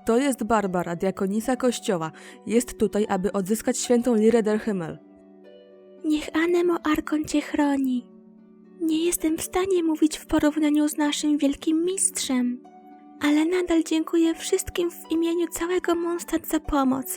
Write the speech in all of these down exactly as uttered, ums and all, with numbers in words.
To jest Barbara, diakonisa kościoła. Jest tutaj, aby odzyskać świętą Lirę der Himmel. Niech Anemo Arkon cię chroni. Nie jestem w stanie mówić w porównaniu z naszym wielkim mistrzem, ale nadal dziękuję wszystkim w imieniu całego Mondstadt za pomoc.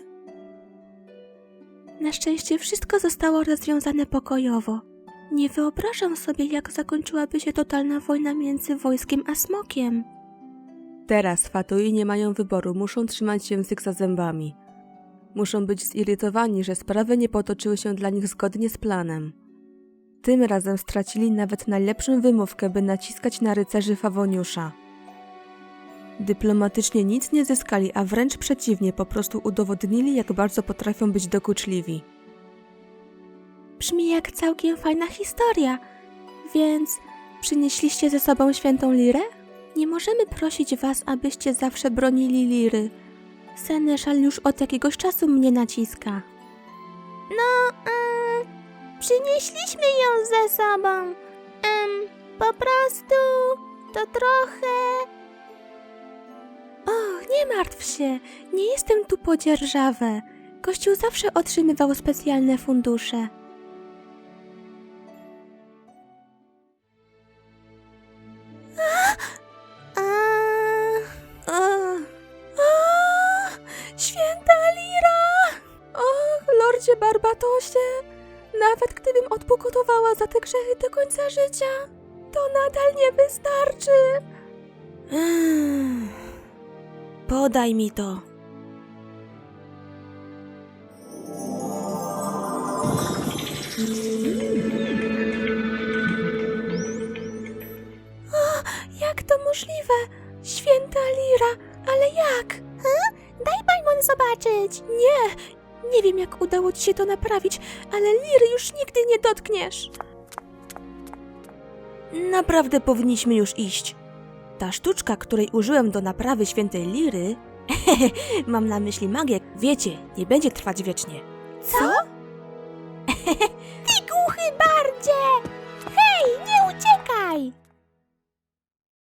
Na szczęście wszystko zostało rozwiązane pokojowo. Nie wyobrażam sobie, jak zakończyłaby się totalna wojna między wojskiem a smokiem. Teraz Fatui nie mają wyboru, muszą trzymać język za zębami. Muszą być zirytowani, że sprawy nie potoczyły się dla nich zgodnie z planem. Tym razem stracili nawet najlepszą wymówkę, by naciskać na rycerzy Fawoniusza. Dyplomatycznie nic nie zyskali, a wręcz przeciwnie, po prostu udowodnili, jak bardzo potrafią być dokuczliwi. Brzmi jak całkiem fajna historia, więc przynieśliście ze sobą świętą Lirę? Nie możemy prosić was, abyście zawsze bronili Liry. Seneszal już od jakiegoś czasu mnie naciska. No, um, przynieśliśmy ją ze sobą. Um, po prostu to trochę... Och, nie martw się, nie jestem tu po dzierżawę. Kościół zawsze otrzymywał specjalne fundusze. Święta Lira! Och, lordzie Barbatosie, nawet gdybym odpokutowała za te grzechy do końca życia, to nadal nie wystarczy. Ech, podaj mi to. O, jak to możliwe? Święta Lira, ale jak? Hm? Daj Paimon zobaczyć. Nie, nie wiem jak udało ci się to naprawić, ale Liry już nigdy nie dotkniesz. Naprawdę powinniśmy już iść. Ta sztuczka, której użyłem do naprawy świętej Liry, mam na myśli magię, wiecie, nie będzie trwać wiecznie. Co? Ty głuchy bardzie! Hej, nie uciekaj!